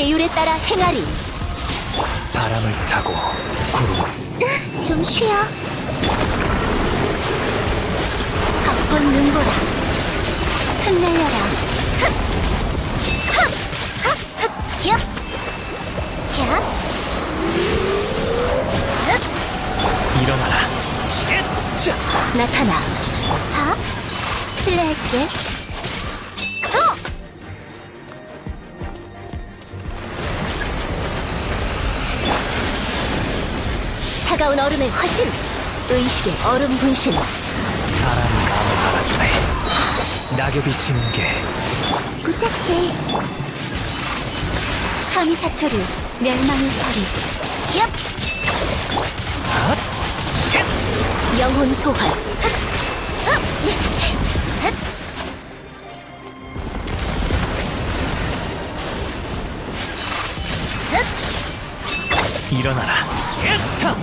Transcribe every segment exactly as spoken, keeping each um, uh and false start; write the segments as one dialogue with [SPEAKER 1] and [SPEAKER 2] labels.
[SPEAKER 1] 계율에 따라 행하리.
[SPEAKER 2] 바람을 타고 구름.
[SPEAKER 1] 좀 쉬어. 벚꽃 눈보라. 흩날려라. 흑! 흑! 흑! 흑! 기업! 캬! 흑!
[SPEAKER 2] 일어나라. 자,
[SPEAKER 1] 나타나. 하? 실례할게. 어! 차가운 얼음의 화신. 의식의 얼음 분신.
[SPEAKER 2] 바람이 마음을 알아주네. 낙엽이 지는 게
[SPEAKER 1] 부탁해. 감사토류 멸망의 소리. 기업!
[SPEAKER 2] 아,
[SPEAKER 1] 영혼 소환.
[SPEAKER 2] 일어나라. 타!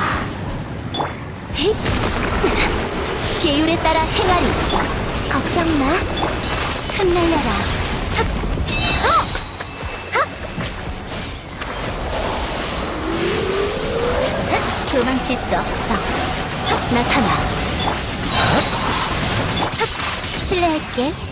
[SPEAKER 1] 힛! 계율에 따라 행하리. 걱정 마. 흩날려라. 흑! 어! 흑! 흑! 도망칠 수 없어. 흑! 나타나. 흑! 실례할게.